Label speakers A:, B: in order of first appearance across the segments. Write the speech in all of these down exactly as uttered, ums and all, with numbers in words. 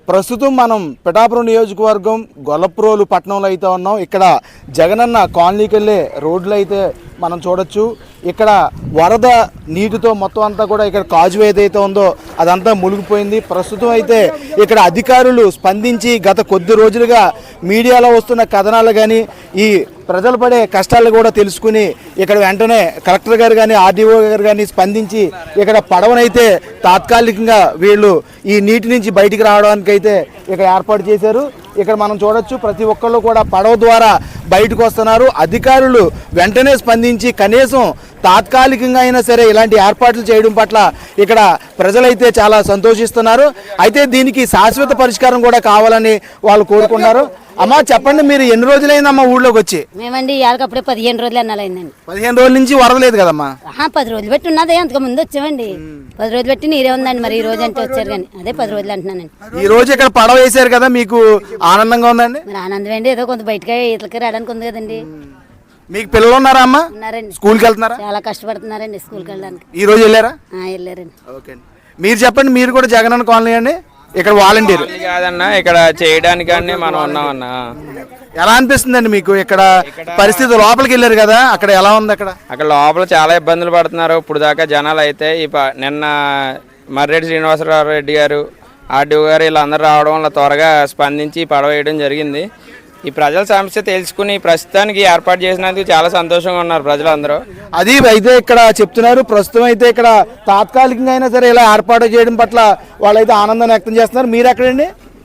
A: ప్రస్తుతం మనం పిఠాపురం నియోజకవర్గం గొల్లప్రోలు పట్టణంలో అయితే ఉన్నాం. ఇక్కడ జగనన్న కాలనీకి వెళ్ళే రోడ్లు అయితే మనం చూడొచ్చు. ఇక్కడ వరద నీటితో మొత్తం అంతా కూడా ఇక్కడ కాజు ఏదైతే ఉందో అదంతా మునిగిపోయింది. ప్రస్తుతం అయితే ఇక్కడ అధికారులు స్పందించి గత కొద్ది రోజులుగా మీడియాలో వస్తున్న కథనాలు కానీ ఈ ప్రజలు పడే కష్టాలు కూడా తెలుసుకుని ఇక్కడ వెంటనే కలెక్టర్ గారు కానీ ఆర్డీఓ గారు కానీ స్పందించి ఇక్కడ పడవనైతే తాత్కాలికంగా వీళ్ళు ఈ నీటి నుంచి బయటికి రావడానికి అయితే ఇక్కడ ఏర్పాటు చేశారు. ఇక్కడ మనం చూడొచ్చు ప్రతి ఒక్కళ్ళు కూడా పడవ ద్వారా బయటకు వస్తున్నారు. అధికారులు వెంటనే స్పందించి కనీసం తాత్కాలికంగా అయినా సరే ఇలాంటి ఏర్పాట్లు చేయడం పట్ల ఇక్కడ ప్రజలైతే చాలా సంతోషిస్తున్నారు. అయితే దీనికి శాశ్వత పరిష్కారం కూడా కావాలని వాళ్ళు కోరుకున్నారు. అమ్మా చెప్పండి, మీరు ఎన్ని రోజులైందమ్మా ఊళ్ళోకి వచ్చి?
B: మేమండి ఇవాళకప్పుడే పదిహేను రోజులు అన్నాలైందండి.
A: పదిహేను రోజుల నుంచి వరద లేదు కదమ్మా?
B: పది రోజులు పెట్టి ఉన్నదే, అంతకు ముందు వచ్చామండి. పది రోజులు పెట్టి నీరే ఉందండి. మరి ఈ రోజు అంటే వచ్చారు కానీ అదే పది రోజులు అంటున్నానండి.
A: ఈ రోజు ఇక్కడ పడవ వేసారు కదా, మీకు ఆనందంగా ఉందండి?
B: మరి ఆనందం అండి, ఏదో కొంత బయటకి ఇట్లకి రావడానికి ఉంది కదండి.
A: మీకు పిల్లలు ఉన్నారా అమ్మా?
B: ఉన్నారండి.
A: స్కూల్కి వెళ్తున్నారా?
B: చాలా కష్టపడుతున్నారండి స్కూల్కి వెళ్ళడానికి.
A: ఈ రోజు వెళ్ళారా?
B: వెళ్ళారండి.
A: ఓకే, మీరు చెప్పండి, మీరు కూడా జగనన్న కాలనీ అండి? ఇక్కడ వాలంటీర్
C: కాదన్నా, ఇక్కడ చేయడానికి మనం ఉన్నామన్నా.
A: ఎలా అనిపిస్తుందండి మీకు ఇక్కడ పరిస్థితి? లోపలికి వెళ్ళారు కదా, అక్కడ ఎలా ఉంది? అక్కడ
C: అక్కడ లోపల చాలా ఇబ్బందులు పడుతున్నారు ఇప్పుడు దాకా జనాలు. అయితే ఈ నిన్న మర్రెడ్డి శ్రీనివాసరావు రెడ్డి గారు, ఆర్డీఓ గారు వీళ్ళందరూ రావడం వల్ల త్వరగా స్పందించి పడవ వేయడం జరిగింది. ఈ ప్రజల సమస్య తెలుసుకుని ప్రస్తుతానికి ఏర్పాటు చేసినందుకు చాలా సంతోషంగా ఉన్నారు ప్రజలందరూ.
A: అది అయితే ఇక్కడ చెప్తున్నారు. ప్రస్తుతం అయితే ఇక్కడ తాత్కాలికంగా అయినా సరే ఇలా ఏర్పాటు చేయడం పట్ల వాళ్ళైతే ఆనందాన్ని వ్యక్తం చేస్తున్నారు. మీరు ఎక్కడండి?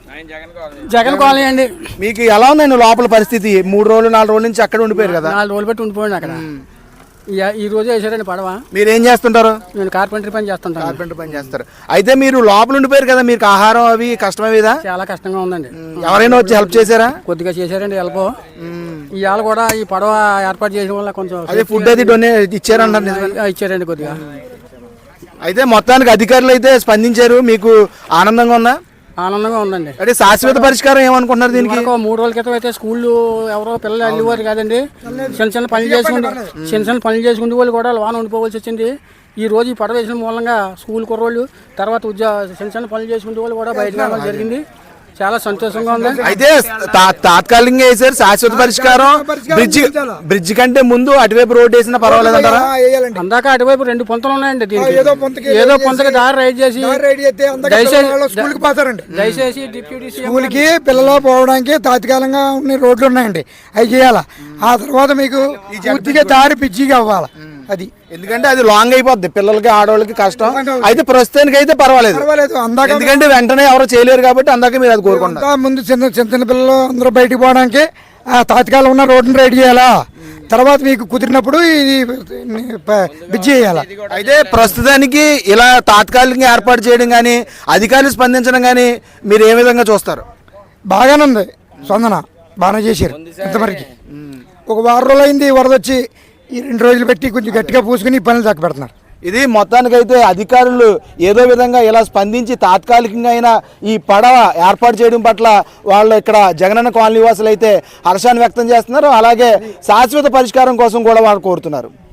D: జగన్ కాలనీ అండి.
A: మీకు ఎలా ఉందండి లోపల పరిస్థితి? మూడు రోజులు నాలుగు రోజుల నుంచి అక్కడ ఉండిపోయారు కదా?
D: నాలుగు రోజులు పెట్టి ఉండిపోయింది అక్కడ. ఈ రోజు వేసారండి పడవ.
A: మీరు ఏం చేస్తుంటారు?
D: నేను కార్పెంటరీ పని చేస్తుంటాను.
A: కార్పెంటరీ పని చేస్తారు. అయితే మీరు లోపల ఉండిపోయారు కదా, మీకు ఆహారం అవి కష్టమేదా?
D: చాలా కష్టంగా ఉందండి.
A: ఎవరైనా వచ్చి హెల్ప్ చేశారా?
D: కొద్దిగా చేశారండి హెల్ప్. ఇవాళ కూడా ఈ పడవ ఏర్పాటు చేయడం వల్ల కొంచెం
A: అదే ఫుడ్ అది డొనేట్ ఇచ్చారన్నారు.
D: ఇచ్చారండి కొద్దిగా.
A: అయితే మొత్తానికి అధికారులు అయితే స్పందించారు. మీకు ఆనందంగా ఉందా?
D: ఆనందంగా ఉందండి.
A: అంటే శాశ్వత పరిష్కారం ఏమనుకుంటున్నారు దీనికి?
D: మూడు రోజుల క్రితం అయితే స్కూళ్ళు ఎవరో పిల్లలు వెళ్ళేవారు కాదండి. చిన్న చిన్న పనులు చేసుకుంటూ చిన్న చిన్న పనులు చేసుకుంటే వాళ్ళు కూడా వాన ఉండిపోవాల్సి వచ్చింది. ఈ రోజు ఈ పడవ వేసిన మూలంగా స్కూల్ కుర్రోళ్ళు తర్వాత ఉద్యోగ చిన్న చిన్న పనులు చేసుకుంటే వాళ్ళు కూడా బయటకు రావడం జరిగింది. చాలా సంతోషంగా ఉంది.
A: అయితే తాత్కాలికంగా వేసారు. శాశ్వత పరిష్కారం బ్రిడ్జి బ్రిడ్జి కంటే ముందు అటువైపు రోడ్ వేసినా పర్వాలేదు అంటారా?
D: అందాక అటువైపు రెండు పొంతలు ఉన్నాయండి. దీనికి ఏదో పొంతకి దారి రైడ్ చేసి దయచేసి డిప్యూటీ
E: స్కూల్ కి పిల్లలు పోవడానికి తాత్కాలికంగా ఉన్న రోడ్లు ఉన్నాయండి, అవి చేయాలా. ఆ తర్వాత మీకు పూర్తిగా దారి పిచ్చిగా అవ్వాలి. అది
A: ఎందుకంటే అది లాంగ్ అయిపోద్ది, పిల్లలకి ఆడవాళ్ళకి కష్టం. అయితే ప్రస్తుతానికి అయితే పర్వాలేదు. ఎందుకంటే వెంటనే ఎవరు చేయలేరు కాబట్టి అందాక మీరు అది కోరుకుంటారు.
E: ముందు చిన్న చిన్న చిన్న పిల్లలు అందరూ బయటకు పోవడానికి ఆ తాత్కాలం ఉన్న రోడ్డుని రెడీ చేయాలా. తర్వాత మీకు కుదిరినప్పుడు ఇది బ్రిడ్జి చేయాలా.
A: అయితే ప్రస్తుతానికి ఇలా తాత్కాలికంగా ఏర్పాటు చేయడం కానీ అధికారులు స్పందించడం కానీ మీరు ఏ విధంగా చూస్తారు?
E: బాగానే ఉంది స్పందన, బాగానే చేశారు. ఇంతవరకు ఒక వారం రోజులు అయింది వరద వచ్చి, ఈ రెండు రోజులు పెట్టి కొంచెం గట్టిగా పూసుకుని పనులు చక్క పెడుతున్నారు.
A: ఇది మొత్తానికైతే అధికారులు ఏదో విధంగా ఇలా స్పందించి తాత్కాలికంగా అయినా ఈ పడవ ఏర్పాటు చేయడం పట్ల వాళ్ళు ఇక్కడ జగనన్న కాలనీ వాసులు అయితే హర్షాన్ని వ్యక్తం చేస్తున్నారు. అలాగే శాశ్వత పరిష్కారం కోసం కూడా వాళ్ళు కోరుతున్నారు.